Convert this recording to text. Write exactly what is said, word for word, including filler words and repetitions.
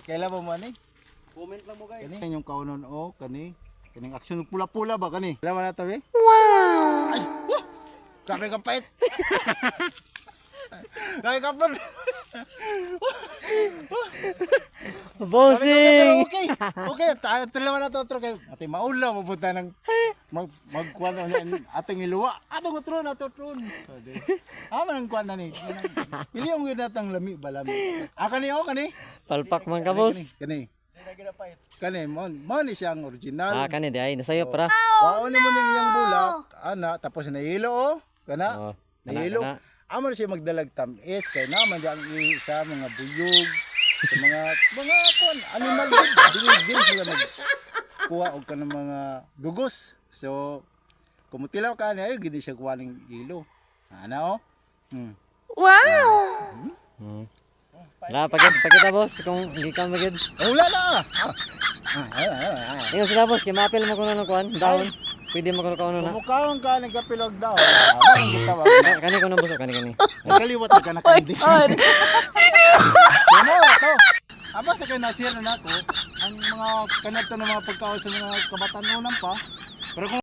Kailan mo man eh? Comment lang mo guys. Kani yung kaunon o kani. Kaning action pula-pula ba kani? Kailan mo na to eh? Wow! Ay! Woo! Kami kapait! Kami kapit! Bossing! Okay! Okay! Tayo naman na to otro kay ate maulaw mapunta ng mag magkuan na ating iluwa. Ato utro na to tron. Ah man ang kuan na ni. Pili ang gyud natang lami ba lami. Ah kani o kani? Palpak man ka, boss. Kani. Kani mo mo ni siyang original. Ah, kani di ay nasayo para. Waon mo ning iyang bulak ana tapos nahilo o kana. Oh, Nahilo. kana. Amo na siya magdalag tamis kay naman di ang isa mga buyog sa mga mga kuan animal din din sila mag kuha og kanang mga gugos. So kumutilaw ka niya ay gid siya kuha ning ilo. Ana o. Hmm. Hmm. Wala, pagkita, pagkita boss, kung hindi ka magid. Oh, wala na. Ah, ah, ah, ah. Ngayon sila boss, kay mapil mo kuno ng kuan, dahon. Pwede mo kuno kauno na. Kumukhaon ka nagkapilog daw. Ah, ang gitawa. Ah, Kani kuno boss, kani kani. Nagkaliwat na ka na kandi. Ano to? Aba sa kay nasir na nako ang mga kanadto ng mga pagkaon sa mga kabataan pa. Pero kung